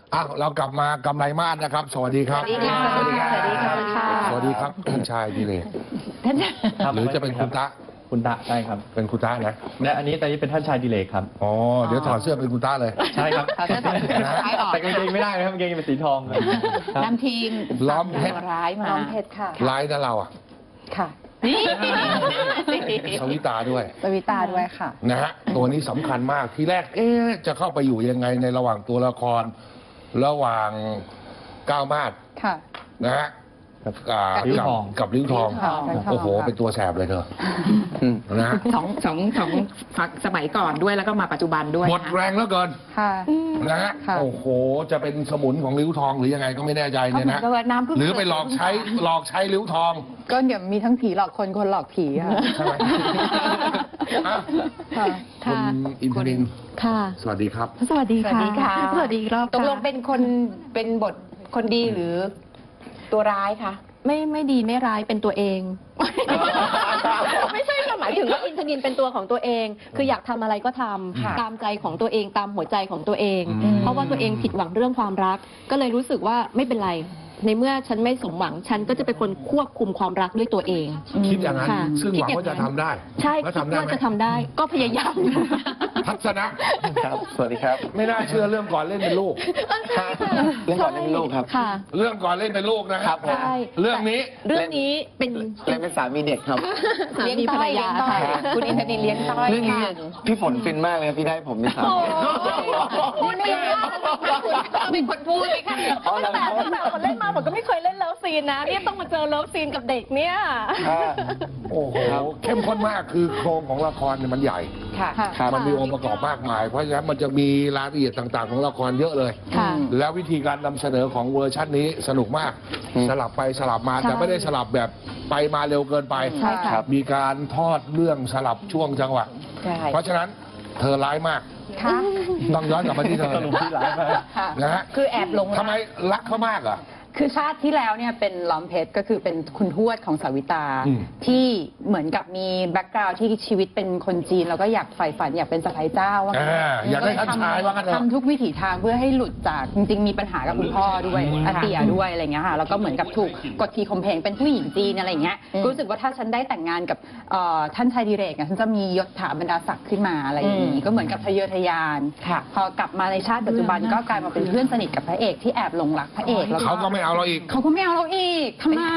เรากลับมากำไรมาศนะครับสวัสดีครับสวัสดีค่ะสวัสดีครับสวัสดีค่ะสวัสดีครับท่านชายดิเลกครับหรือจะเป็นคุณตะคุณตะใช่ครับเป็นคุณตะนะและอันนี้เป็นท่านชายดิเลกครับอ๋อเดี๋ยวถอดเสื้อเป็นคุณตะเลยใช่ครับถอดเสื้อถอดเสื้อซ้ายออกแต่กางเกงไม่ได้นะครับกางเกงเป็นสีทองครับนำทีมล้อมเพชรร้ายมาน้องเพชรค่ะร้ายนะเราอ่ะค่ะนี่สวิตาด้วยสวิตาด้วยค่ะนะฮะตัวนี้สำคัญมากทีแรกจะเข้าไปอยู่ยังไงในระหว่างตัวละคร ระหว่างก้าวมาศค่ะนะฮะกับลิ้วทองกับลิ้วทองลิ้วทองโอ้โหเป็นตัวแสบเลยเธอนะฮะสองสมัยก่อนด้วยแล้วก็มาปัจจุบันด้วยหมดแรงแล้วเกินค่ะนะฮะค่ะโอ้โหจะเป็นสมุนของลิ้วทองหรือยังไงก็ไม่แน่ใจก็เนี่ยเหมือนะนกับว่าน้ำพึ่งหรือไปหลอกใช้ลิ้วทองก็เดี๋ยวมีทั้งผีหลอกคนคนหลอกผีค่ะใช่ไหมอ่ะค่ะคุณอินทนินท์ค่ะสวัสดีครับสวัสดีค่ะสวัสดีค่ะสวัสดีอีกรอบตกลงค่ะเป็นบทคนดีหรือตัวร้ายคะไม่ดีไม่ร้ายเป็นตัวเอง ไม่ใช่ค่ะหมายถึงว่าอินทนินเป็นตัวของตัวเอง คืออยากทำอะไรก็ทำค่ะตามใจของตัวเองตามหัวใจของตัวเองอืมเพราะว่าตัวเองผิดหวังเรื่องความรัก ก็เลยรู้สึกว่าไม่เป็นไร ในเมื่อฉันไม่สมหวังฉันก็จะเป็นคนควบคุมความรักด้วยตัวเองคิดอย่างนั้นค่ะซึ่งหวังคิดอย่างว่าจะทำได้ใช่แล้วคิดทำได้ว่าไหมจะทำได้ ก็พยายามทัศนะครับ สวัสดีครับไม่น่าเชื่อเรื่องก่อนเล่นเป็นลูกเรื่องก่อนเล่นเป็นลูกครับค่ะเรื่องก่อนเล่นเป็นลูกนะครับใช่เรื่องนี้เรื่องนี้เป็นเล่นเป็นสามีเด็กครับสามีภรรยาต้อยค่ะคุณอินทนินเลี้ยงต้อยเรื่องนี้ค่ะพี่ฝนฟินมากเลยครับพี่ได้ผมเป็นสามีพูดไม่ได้เป็นคนพูดไหมคะอ๋อแล้วแต่ตั้งแต่คนเล่นมาผมก็ไม่เคยเล่นเลิฟซีนนะเนี่ยต้องมาเจอเลิฟซีนกับเด็กเนี่ยโอ้โหเข้มข้นมากคือโครงของละครเนี่ยมันใหญ่ค่ะค่ะมันมีองค์ประกอบมากมาย เพราะฉะนั้นมันจะมีรายละเอียดต่างๆ ของละครเยอะเลยค่ะแล้ววิธีการนำเสนอของเวอร์ชันนี้สนุกมาก สลับไปสลับมาใช่แต่ไม่ได้สลับแบบไปมาเร็วเกินไปใช่ค่ะมีการทอดเรื่องสลับช่วงจังหวะใช่เพราะฉะนั้นเธอร้ายมากค่ะต้องย้อนกลับมาที่เธอสรุปที่ร้ายมากค่ะนะฮะคือแอบหลงรักทำไมรักเขามากอ่ะคือชาติที่แล้วเนี่ยเป็นล้อมเพชรก็คือเป็นคุณทวดของสาวิตาอืมที่เหมือนกับมีแบ็กกราวด์ที่ชีวิตเป็นคนจีนแล้วก็อยากใฝ่ฝันอยากเป็นสะใภ้เจ้าว่างั้นอยากได้ท่านชายว่ากันเถอะทำทุกวิถีทางเพื่อให้หลุดจากจริงๆมีปัญหากับคุณพ่อด้วยอาเตียด้วยอะไรเงี้ยค่ะแล้วก็เหมือนกับถูกกดขี่ข่มเหงเป็นผู้หญิงจีนอะไรเงี้ยรู้สึกว่าถ้าฉันได้แต่งงานกับท่านชายดิเรกอะฉันจะมียศถาบรรดาศักดิ์ขึ้นมาอะไรอย่างนี้ก็เหมือนกับทะเยอทะยานค่ะพอกลับมาในชาติปัจจุบันก็กลายมาเป็นเพื่อนสนิทกับพระเอกที่แอบหลงรักพระเอกแล้วเขาก็ไม่เอาเราอีกเขาก็ไม่เอาเราอีกทำไม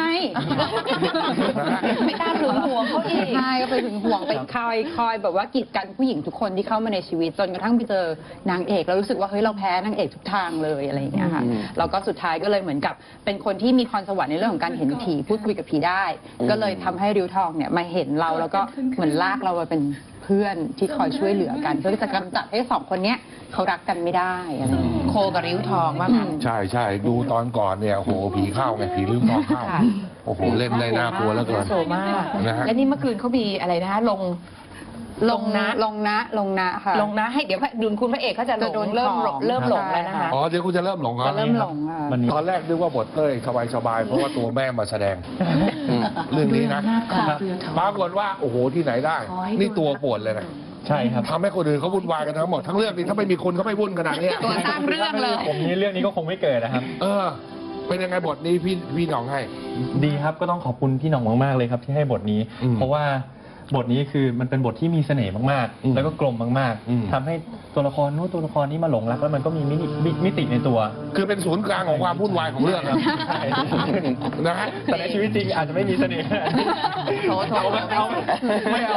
ไม่กล้าถึงหัวเขาอีกใช่ก็ไปถึงห่วงไปคอยแบบว่ากีดกันผู้หญิงทุกคนที่เข้ามาในชีวิตจนกระทั่งไปเจอนางเอกแล้วรู้สึกว่าเฮ้ยเราแพ้นางเอกทุกทางเลยอะไรอย่างเงี้ยค่ะแล้วก็สุดท้ายก็เลยเหมือนกับเป็นคนที่มีพรสวรรค์ในเรื่องของการเห็นผีพูดคุยกับผีได้ ก็เลยทำให้ริ้วทองเนี่ยมาเห็นเราแล้วก็เหมือนลากเรามาเป็นเพื่อนที่คอยช่วยเหลือกันเพื่อจะกำจัดให้สองคนเนี้ยเขารักกันไม่ได้อะไรอย่างเงี้ยโคกับริ้วทองว่างั้นใช่ใช่ดูตอนก่อนเนี่ยโอ้โหผีเข้าไงผีลืมทองเข้าค่ะโอ้โหเล่นได้น่ากลัวแล้วเกินโสมากนะฮะและนี่เมื่อคืนเขามีอะไรนะคะลงนะลงนะค่ะลงนะให้เดี๋ยวดุลคุณพระเอกเขาจะหลจะโดงนเริ่มของเริ่มหลงแล้วนะคะอ๋อเดี๋ยวคุณจะเริ่มหลงเหรอจะเริ่มหลงค่ะมันมีตอนแรกนึกว่าบทเต้ยสบายๆเพราะว่าตัวแม่มาแสดง เรื่องนี้นะปรากฏว่าโอ้โหที่ไหนได้ นี่ตัวปวดเลยนะใช่ครับทำให้คนอื่นเขาวุ่นวายกันทั้งหมดทั้งเรื่องนี้ถ้าไม่มีคุณเขาไม่วุ่นขนาดเนี้ยตัวสร้างเรื่องเลยผมนี้เรื่องนี้ก็คงไม่เกิดนะครับเป็นยังไงบทนี้พี่หน้องให้ดีครับก็ต้องขอบคุณพี่หน่องมากๆเลยครับที่ให้บทนี้อืมเพราะว่าบทนี้คือมันเป็นบทที่มีเสน่ห์มากอืมๆ แล้วก็กลมมากอืมๆทำให้ตัวละครนู้นตัวละครนี้มาหลงรักแล้วมันก็มีมิติในตัวคือเป็นศูนย์กลางของความวุ่นวายของเรื่องนะใช่นะฮะแต่ในชีวิตจริงอาจจะไม่มีเสน่ห์โถเอาไม่เอาไม่เอา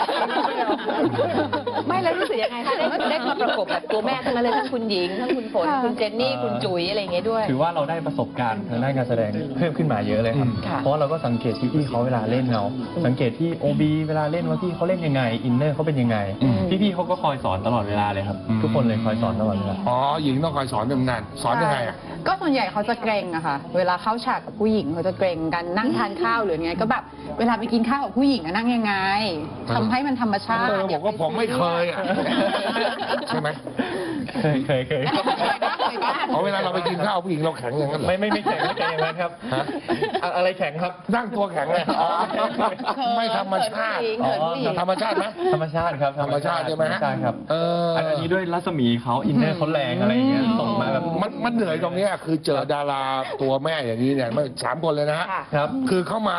ไม่แล้วรู้สึกยังไงคะได้มาประกบแบบตัวแม่ทั้งนั้นเลยทั้งคุณหญิงทั้งคุณฝนคุณเจนนี่คุณจุ๋ยอะไรอย่างเงี้ยด้วยถือว่าเราได้ประสบการณ์ทางด้านการแสดงเพิ่มขึ้นมาเยอะเลยครับค่ะเพราะเราก็สังเกตพี่ๆเขาเวลาเล่นเราสังเกตที่โอบีเวลาเล่นว่าพี่เขาเล่นยังไงอินเนอร์เขาเป็นยังไงอืมพี่ๆเขาก็คอยสอนตลอดเวลาเลยครับ ทุกคนเลยคอยสอนตลอดเวลาอ๋อหญิงต้องคอยสอนทำงานสอนยังไงอ่ะก็ส่วนใหญ่เขาจะเกรงอะค่ะ เวลาเข้าฉากกับผู้หญิงเขาจะเกรงกันนั่งทานข้าวหรือไงก็แบบเวลาไปกินข้าวกับผู้หญิงอะนั่งยังไงทำให้มันธรรมชาติบอกว่าผมไม่เคยอ่ะใช่ไหมเคยเอาเวลาเราไปกินข้าวผู้หญิงเราแข็งอย่างนั้นเหรอไม่แข็งอย่างนั้นครับฮะอะไรแข็งครับนั่งตัวแข็งเลยไม่ธรรมชาติเขินผู้หญิงธรรมชาติไหมธรรมชาติครับธรรมชาติใช่ไหมธรรมชาติครับอัอันนี้ด้วยรัศมีเขาอินเนอร์เขาแรงอะไรอย่างเงี้ยส่งมาแบบมันเหนื่อยตรงเนี้ยคือเจอดาราตัวแม่อย่างนี้เนี่ยไม่3 คนเลยนะฮะค่ะครับคือเข้ามา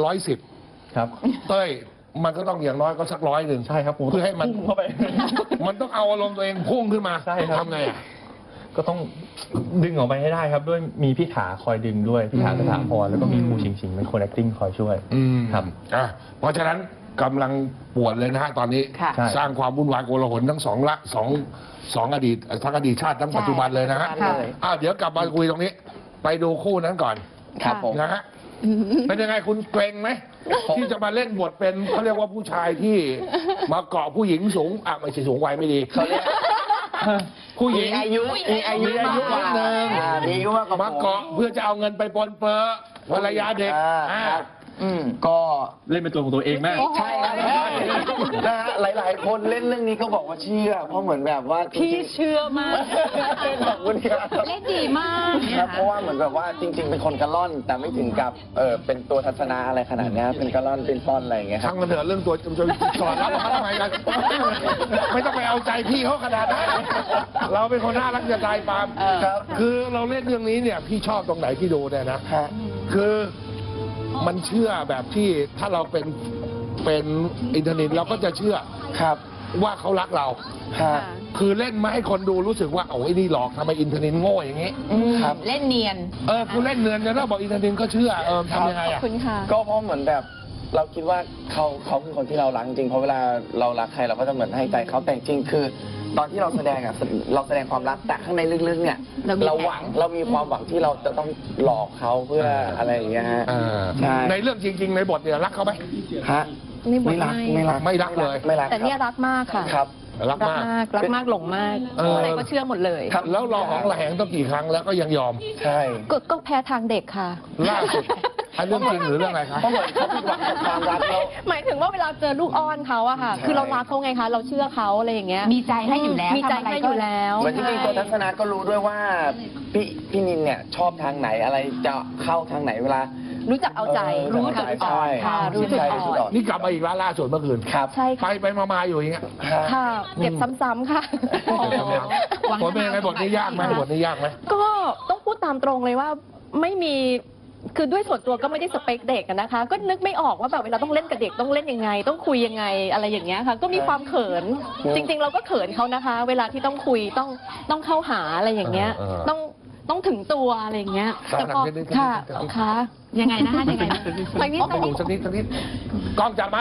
110 ครับเต้ยมันก็ต้องอย่างน้อยก็สัก100 ใช่ครับผมเพื่อให้มันพุ่งเข้าไปมันต้องเอาอารมณ์ตัวเองพุ่งขึ้นมาใช่ครับทำไงอ่ะก็ต้องดึงออกไปให้ได้ครับด้วยมีพี่ถาคอยดึงด้วยพี่ถาสถาพรแล้วก็มีครูชิงเป็นคน acting คอยช่วย ครับเพราะฉะนั้นกำลังปวดเลยนะฮะตอนนี้ค่ะใช่สร้างความวุ่นวายโกลาหลทั้งสองอดีตทั้งอดีตชาติทั้งปัจจุบันเลยนะฮะค่ะเดี๋ยวกลับมาคุยตรงนี้ ไปดูคู่นั้นก่อนครับผมนะฮะเป็นยังไงคุณเกรงไหมที่จะมาเล่นบทเป็นเขาเรียกว่าผู้ชายที่มาเกาะผู้หญิงสูงไม่ใช่สูงวัยไม่ดีเขาเรียกผู้หญิมีงอายุมีอายุมีอายุมากนิดนึงมีอายุมากกว่ามาเกาะเพื่อจะเอาเงินไปปนเปื้อภรรยาเด็กครับก็เล่นเป็นตัวของตัวเองมากใช่ครับนะฮะหลายๆ คนเล่นเรื่องนี้ก็บอกว่าเชื่อ เพราะเหมือนแบบว่าจริพี่งเชื่อมากๆขอบคุณครับเล่นดีมากครับเพราะว่าเหมือนแบบว่าจริง ๆ เป็นคนกระล่อน แต่ไม่ถึงกับเป็นตัวทัศนะอะไรขนาดเนี้ยเป็นกระล่อนเป็นป้อนอะไรอย่างเงี้ยครัช่าบงมันเถอะเรื่องตัวจะสอนรับออกมาทำไมกันไม่ต้องไปเอาใจพี่เขาขนาดนั้นเราเป็นคนน่ารักจะตายปาล์มครับคือเราเล่นเรื่องนี้เนี่ยพี่ชอบตรงไหนที่ดูเนี่ยนะฮะคือมันเชื่อแบบที่ถ้าเราเป็นอินเทอร์เน็ตเราก็จะเชื่อครับว่าเขารักเราฮะคือเล่นมาให้คนดูรู้สึกว่าโอ้ยนี่หลอกทำไมอินเทอร์เน็ตโง่อย่างนี้ครับเล่นเนียนคุณเล่นเนือนจะต้องบอกอินเทอร์เน็ตก็เชื่อทำยังไงขอบอ่ะคุณค่ะก็เพราะเหมือนแบบเราคิดว่าเขาคือคนที่เรารักจริงเพราะเวลาเรารักใครเราก็จะเหมือนให้ใจเขาแต่จริงคือ ตอนที่เราแสดงอ่ะเราแสดงความรักแต่ข้างในลึกๆเนี่ยเรามีเรามีความหวังที่เราจะต้องหลอกเขาเพื่ออะไรอย่างเงี้ยฮะใช่ในเรื่องจริง ๆ ในบทเนี่ยรักเขาไหมฮะในบทไม่รักไม่ไม่รักไม่รักเลยไม่รักแต่เนี่ยรักมากค่ะครับรักมากรักมากหลงมากเออออะไรก็เชื่อหมดเลยครับแล้วรอของระแหงต้องกี่ครั้งแล้วก็ยังยอมใช่ก็แพ้ทางเด็กค่ะล่าสุดอันเรื่องจริงหรือเรื่องอะไรครับเพราะเหมือนเขาผิดหวังกับความรักแล้วหมายถึงว่าเวลาเจอลูกอ้อนเขาอะค่ะใช่คือเรารักเขาไงคะ เราเชื่อเขาอะไรอย่างเงี้ยมีใจให้อยู่แล้วมีใจทำอะไรให้ก็อยู่แล้วเหมือนจริงๆตัวทัศนะก็รู้ด้วยว่าพี่นินเนี่ยชอบทางไหนอะไรจะเข้าทางไหนเวลารู้จักเอาใจรู้จักเอาใจจุดอ่อนค่ะใช่รู้จุดอ่อนนี่กลับมาอีกแล้วล่าสุดเมื่อคืนครับใช่ไปค่ะไปมาๆอยู่อย่างเงี้ยฮะค่ะ เก็บซ้ำๆค่ะผลเป็นยังไงบทนี้ยากไหมบทนี้ยากไหมก็ต้องพูดตามตรงเลยว่าไม่มีคือด้วยส่วนตัวก็ไม่ได้สเปคเด็กอะนะคะ ก็นึกไม่ออกว่าแบบเวลาต้องเล่นกับเด็กต้องเล่นยังไง ต้องคุยยังไงอะไรอย่างเงี้ยค่ะ ก็มีความเขิน จริง ๆ เราก็เขินเขานะคะ เวลาที่ต้องคุยต้องเข้าหาอะไรอย่างเงี้ย ต้องถึงตัวอะไรอย่างเงี้ยแต่พอค่ะค่ะยังไงนะคะยังไงนะไปนิดไปดูสักนิดกล้องจับมา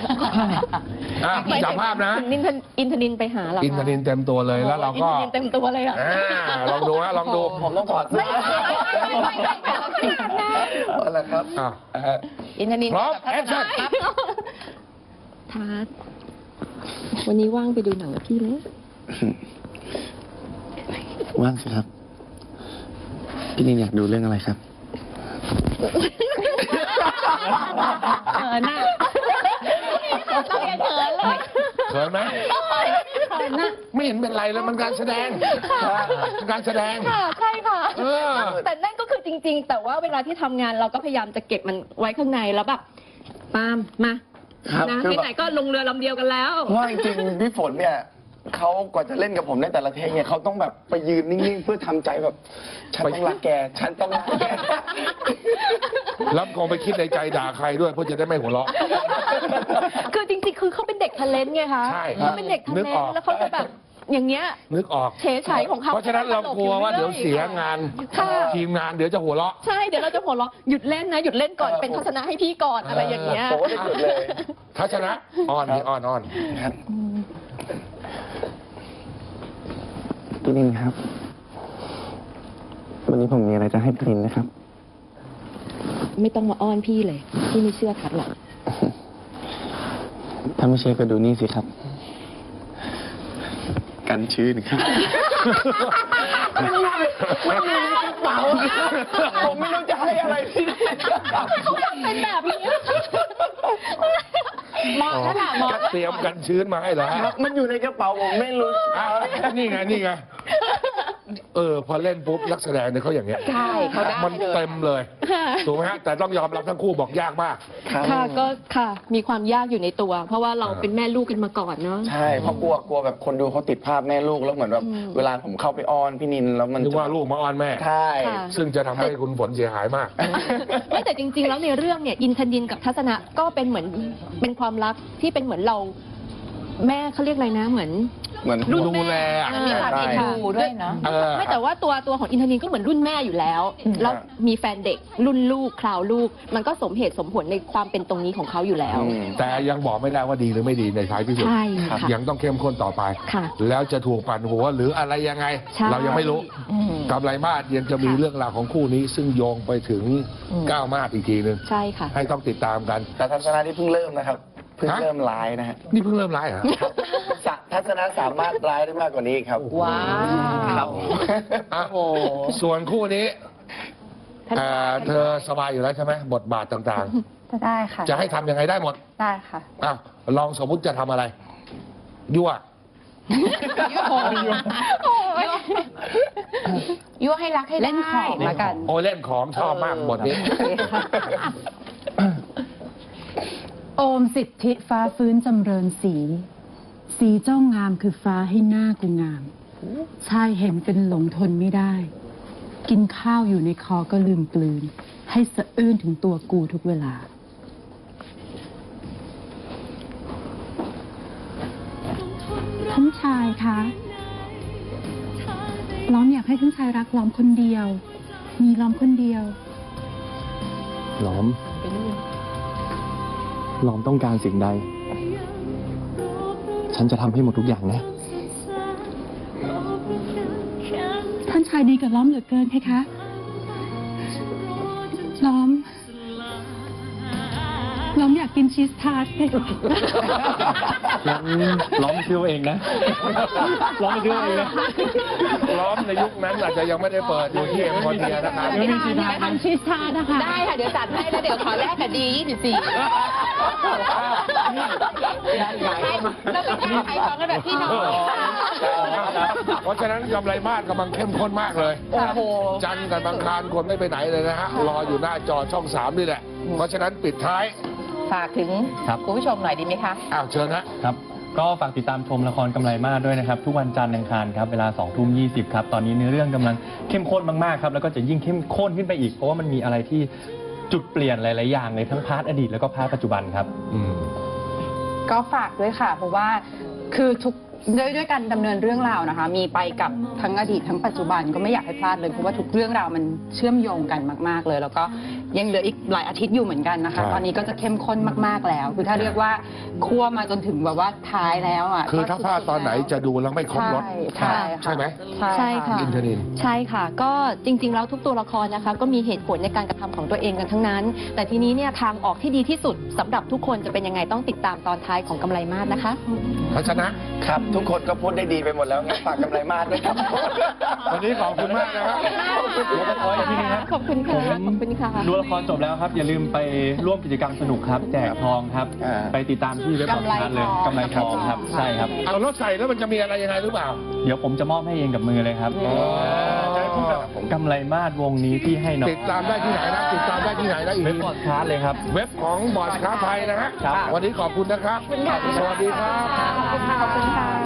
จับภาพนะถึงอินทนินไปหาเราอินทนินเต็มตัวเลยแล้วเราก็อินทนินเต็มตัวเลยอะลองดูนะลองดูผมต้องถอดเสื้อเอาละครับอินทนินพร้อมแอคชั่นทัศน์วันนี้ว่างไปดูหนังกับพี่ไหมว่างสิครับ พี่นินอยากดูเรื่องอะไรครับน่าเรายังเขินเลยเขินไหมไม่เห็นเป็นไรแล้วมันการแสดงการแสดงค่ะใช่ค่ะเออแต่นั่นก็คือจริง ๆ แต่ว่าเวลาที่ทำงานเราก็พยายามจะเก็บมันไว้ข้างในแล้วแบบปาล์มมาครับนะคือแบบไหนๆก็ลงเรือลำเดียวกันแล้วเพราะว่าจริงๆพี่ฝนเนี่ยเขากว่าจะเล่นกับผมในแต่ละเทคเนี่ยเขาต้องแบบไปยืนนิ่งๆเพื่อทำใจแบบ ฉันต้องรักแก ฉันต้องรักแกแล้วคงไปคิดในใจด่าใครด้วยเพื่อจะได้ไม่หัวเราะคือจริงๆ คือเขาเป็นเด็กทะเลนไงคะใช่เขาเป็นเด็กทะนึเลกออกนแล้วเขาจะแบบอย่างเงี้ยนึกออกเฉยฉายของเขาเพราะฉะนั้นเรากลัวว่าเดี๋ยวเสียงานค่ะทีมงานเดี๋ยวจะหัวเราะใช่เดี๋ยวเราจะหัวเราะหยุดเล่นนะหยุดเล่นก่อนเป็นทัศนะให้พี่ก่อนอะไรอย่างเงี้ยผมก็จะหยุดเลยทัศนะอ่อนนี่อ่อนครับพี่นินครับ วันนี้ผมมีอะไรจะให้พี่นินนะครับไม่ต้องมาอ้อนพี่เลย พี่ไม่เชื่อทัดหรอกถ้าไม่เชื่อก็ดูนี่สิครับ กันชื้นครับมันอยู่ในกระเป๋าผมไม่รู้จะให้อะไรพี่เขาทำเป็นแบบนี้เหมาะแล้วค่ะเหมาะเตรียมกันชื้นมาให้แล้วมันอยู่ในกระเป๋าผมไม่รู้นี่ไงนี่ไงพอเล่นปุ๊บนักแสดงเนี่ยเขาอย่างเงี้ยใช่เขาได้มันเลยเต็มเลยถูกไหมฮะแต่ต้องยอมรับทั้งคู่บอกยากมากค่ะก็ค่ะมีความยากอยู่ในตัว เพราะว่าเราเป็นแม่ลูกกันมาก่อนเนาะใช่เพราะกลัวแบบคนดูเขาติดภาพแม่ลูกแล้วเหมือนแบบเวลาผมเข้าไปอ้อนพี่นินแล้วมันนึกว่าลูกมาอ้อนแม่ใช่ค่ะซึ่งจะทำให้คุณฝนเสียหายมากไม่แต่จริง ๆ แล้วในเรื่องเนี่ยอินทนินกับทัศนะก็เป็นเหมือนเป็นความรักที่เป็นเหมือนเราแม่เขาเรียกอะไรนะเหมือน รุ่นดูแลมันมีความใช่เอ็นดูด้วยเนาะไม่แต่ว่าตัวของอินทนินก็เหมือนรุ่นแม่อยู่แล้วแล้วมีแฟนเด็กรุ่นลูกคราวลูก มันก็สมเหตุสมผลในความเป็นตรงนี้ของเขาอยู่แล้วแต่ยังบอกไม่ได้ว่าดีหรือไม่ดีในท้ายที่สุดใช่ค่ะยังต้องเข้มข้นต่อไปค่ะแล้วจะถูกปั่นหัวหรืออะไรยังไงใช่เรายังไม่รู้ กำไรมาศยังจะมีเรื่องราวของคู่นี้ ซึ่งโยงไปถึงก้าวมาศอีกทีนึงใช่ค่ะให้ต้องติดตามกันแต่ทัศนะที่เพิ่งเริ่มนะครับเพิ่งเริ่มร้ายนะฮะนี่เพิ่งเริ่มไลฟ์เหรอทัศนะสามารถร้ายได้มากกว่านี้อีกครับว้าวครับอ่ะส่วนคู่นี้เธอสบายอยู่แล้วใช่ไหมบทบาทต่างได้ค่ะๆ จะให้ทำยังไงได้หมดได้ค่ะอ่ะลองสมมุติจะทำอะไร ยั่วยั่วให้รักให้ได้เล่นของละกันโอ้เล่นของชอบมากบทนี้โอมสิทธิฟ้าฟื้นจำเริญสี สีเจ้างามคือฟ้าให้หน้ากูงาม ชายเห็นเป็นหลงทนไม่ได้ กินข้าวอยู่ในคอก็ลืมกลืน ให้สะอื้นถึงตัวกูทุกเวลา ท่านชายคะ ล้อมอยากให้ท่านชายรักล้อมคนเดียว มีล้อมคนเดียวล้อมต้องการสิ่งใด ฉันจะทำให้หมดทุกอย่างนะท่านชายดีกับล้อมเหลือเกินเพคะ ล้อมอยากกินชีสทาร์ตเพคะล้อมเชื่อเองนะ ล้อมเชื่อเองนะล้อมในยุคนั้นอาจจะยังไม่ได้เปิดอยู่ที่เอ็มพอเทียนะครับไม่มีชีสทาร์ตทำชีสทาร์ตนะคะได้ค่ะ เดี๋ยวจัดให้แล้วเดี๋ยวขอแลกกับดี24แล้วก็แก้ไขของกันแบบพี่น้องเพราะฉะนั้นกำไรมาศกำลังเข้มข้นมากเลยโอ้โหจันทร์กับบังคารคนไม่ไปไหนเลยนะฮะ รออยู่หน้าจอช่อง 3 นี่แหละ เพราะฉะนั้นปิดท้ายฝากถึงครับคุณผู้ชมหน่อยดีไหมคะอ้าวเชิญฮะครับ ก็ฝากติดตามชมละครกำไรมาศด้วยนะครับ ทุกวันจันทร์อังคารครับ เวลา 20:20 ครับ ตอนนี้เนื้อเรื่องกำลังเข้มข้นมากๆครับ แล้วก็จะยิ่งเข้มข้นขึ้นไปอีก เพราะว่ามันมีอะไรที่จุดเปลี่ยนหลาย ๆ อย่างในทั้งพาร์ทอดีตแล้วก็พาร์ทปัจจุบันครับก็ฝากด้วยค่ะ เพราะว่าคือด้วยการดำเนินเรื่องราวนะคะ มีไปกับทั้งอดีตทั้งปัจจุบันก็ไม่อยากให้พลาดเลยเพราะว่าทุกเรื่องราวมันเชื่อมโยงกันมากๆเลย แล้วก็ยังเหลืออีกหลายอาทิตย์อยู่เหมือนกันนะคะใช่ตอนนี้ก็จะเข้มข้นมากๆแล้ว คือถ้าเรียกว่าคั่วมาจนถึงแบบว่าท้ายแล้วอ่ะคือถ้าพลาดตอนไหนจะดูแล้วไม่ครบรสใช่ค่ะใช่ไหมใช่ค่ะอินทนินใช่ค่ะ ก็จริง ๆ แล้วทุกตัวละครนะคะก็มีเหตุผลในการกระทำของตัวเองกันทั้งนั้น แต่ทีนี้เนี่ยทางออกที่ดีที่สุดสำหรับทุกคนจะเป็นยังไงต้องติดตามตอนท้ายของกำไรมาศนะคะทัศนะครับ ทุกคนก็พูดได้ดีไปหมดแล้วงั้นฝากกำไรมาศด้วยครับวันนี้ขอบคุณมากนะครับขออีกทีนึงครับขอบคุณค่ะ ขอบคุณค่ะดูละครจบแล้วครับ อย่าลืมไปร่วมกิจกรรมสนุกครับ แจกทองครับ ไปติดตามที่เว็บของทานเลยกำไรทองครับ ใช่ครับเอารถใส่แล้วมันจะมีอะไรยังไงหรือเปล่าเดี๋ยวผมจะมอบให้เองกับมือเลยครับกำไรมาศวงนี้ที่ให้น้องติดตามได้ที่ไหนนะ ติดตามได้ที่ไหนนะอีกเว็บพอดคาสต์เลยครับเว็บของบอร์ดค้าไทยนะฮะครับวันนี้ขอบคุณนะครับ สวัสดีครับขอบคุณค่ะ